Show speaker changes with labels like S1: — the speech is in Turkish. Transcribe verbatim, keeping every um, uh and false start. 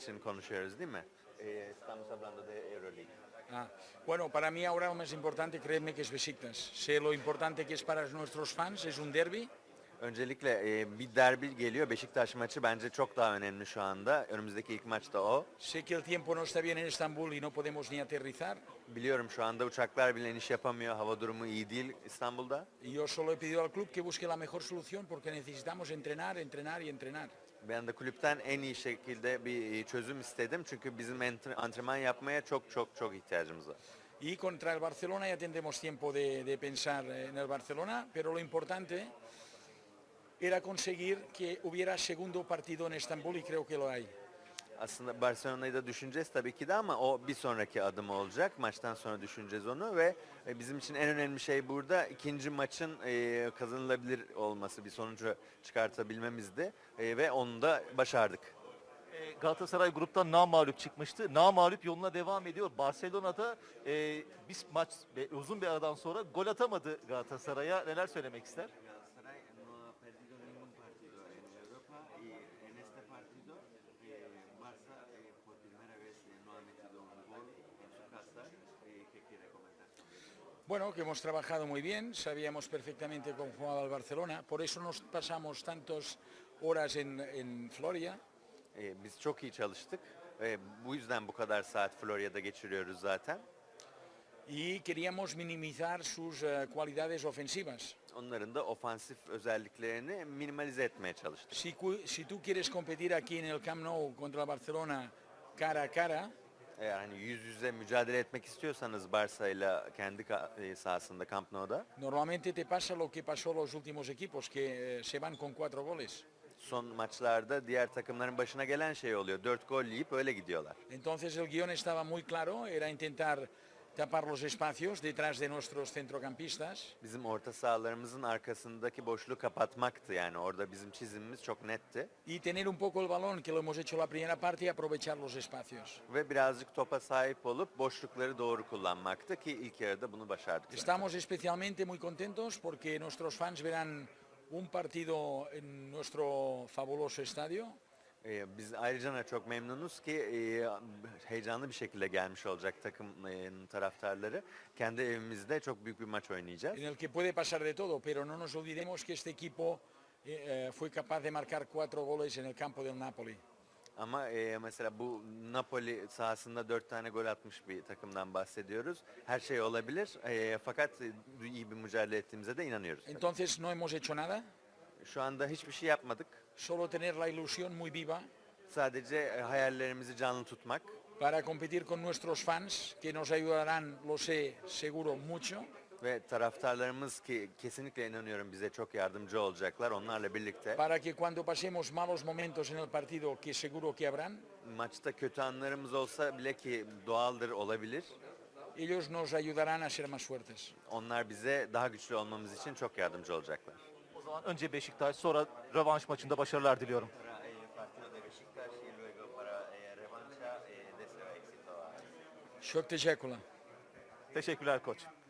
S1: için konuşuyoruz değil mi? Eh, estamos hablando de Euroleague.
S2: Ah, bueno, para mí ahora lo más importante, créeme que es Beşiktaş. Sé lo importante que es para nuestros fans, es un derbi.
S1: Öncelikle e, bir derbi geliyor. Beşiktaş maçı bence çok daha önemli şu anda. Önümüzdeki ilk maç da o.
S2: Sé que el tiempo no está bien en Estambul y no podemos ni aterrizar.
S1: Biliyorum şu anda uçaklar bile iniş yapamıyor. Hava durumu iyi değil İstanbul'da.
S2: Y yo solo he pedido al club que busque la mejor solución porque necesitamos entrenar, entrenar y entrenar.
S1: Ben de kulüpten en iyi şekilde bir çözüm istedim. Çünkü bizim entre- antrenman yapmaya çok çok çok ihtiyacımız var.
S2: Y contra el Barcelona ya tendremos tiempo de, de pensar en el Barcelona, pero lo importante era conseguir que hubiera segundo partido en Estambul y creo que lo hay.
S1: Aslında Barcelona'yı da düşüneceğiz tabii ki de ama o bir sonraki adım olacak. Maçtan sonra düşüneceğiz onu ve e, bizim için en önemli şey burada ikinci maçın e, kazanılabilir olması, bir sonucu çıkartabilmemizdi E, ve onu da başardık.
S3: E, Galatasaray gruptan namağlup çıkmıştı. Namağlup yoluna devam ediyor. Barcelona'da e, bir maç ve uzun bir aradan sonra gol atamadı Galatasaray'a. Neler söylemek ister?
S1: Galatasaray no ha perdido ningún partido en Europa y en este partido Barça por primera vez no ha metido un gol en su casa. ¿Qué quiere comentar?
S2: Bueno, que hemos trabajado muy bien, sabíamos perfectamente cómo jugaba el Barcelona, por eso nos pasamos tantas horas en, en Floria.
S1: E, biz çok iyi çalıştık. E, bu yüzden bu kadar saat Florya'da geçiriyoruz zaten.
S2: Y queríamos minimizar sus eh, cualidades ofensivas.
S1: Onların da ofansif özelliklerini minimalize etmeye çalıştık.
S2: Si, cu- si tú quieres competir aquí en el Camp Nou contra el Barcelona cara a cara,
S1: Eğer hani yüz yüze mücadele etmek istiyorsanız Barça ile kendi ka- e, sahasında Camp Nou'da
S2: normalmente te pasa lo que pasó los últimos equipos, que eh, se van con cuatro goles.
S1: son maçlarda diğer takımların başına gelen şey oluyor. Dört gol yiyip öyle gidiyorlar.
S2: Entonces el guión estaba muy claro, era intentar tapar los espacios detrás de nuestros centrocampistas.
S1: Bizim orta sahalarımızın arkasındaki boşluğu kapatmaktı yani orada bizim çizimimiz çok netti.
S2: Y tener un poco el balón, que lo hemos hecho la primera parte, y aprovechar los espacios.
S1: Ve birazcık topa sahip olup boşlukları doğru kullanmaktı ki ilk yarıda bunu başardık. zaten.
S2: Estamos especialmente muy contentos porque nuestros fans verán un partido en nuestro fabuloso estadio.
S1: Ee, biz ayrıca da çok memnunuz ki e, heyecanlı bir şekilde gelmiş olacak takımın taraftarları. Kendi evimizde çok büyük bir maç oynayacağız.
S2: En el que puede pasar de todo, pero no nos olvidemos que este equipo eh, eh, fue capaz de marcar cuatro goles en el campo del Napoli.
S1: Ama e, mesela bu Napoli sahasında dört tane gol atmış bir takımdan bahsediyoruz. Her şey olabilir e, fakat e, iyi bir mücadele ettiğimize de inanıyoruz.
S2: Entonces no hemos hecho nada,
S1: Şu anda hiçbir şey yapmadık.
S2: solo tener la ilusión muy viva
S1: Sadece e, hayallerimizi canlı tutmak
S2: para competir con nuestros fans, que nos ayudarán, lo sé, seguro, mucho.
S1: ve taraftarlarımız ki kesinlikle inanıyorum bize çok yardımcı olacaklar onlarla birlikte.
S2: Para que cuando pasemos malos momentos en el partido, que seguro que habrán,
S1: Maçta kötü anlarımız olsa bile ki doğaldır olabilir.
S2: ellos nos ayudarán a ser más fuertes.
S1: Onlar bize daha güçlü olmamız için çok yardımcı olacaklar.
S3: O zaman önce Beşiktaş, sonra rövanş maçında başarılar diliyorum.
S2: Çok teşekkürler.
S3: Teşekkürler koç.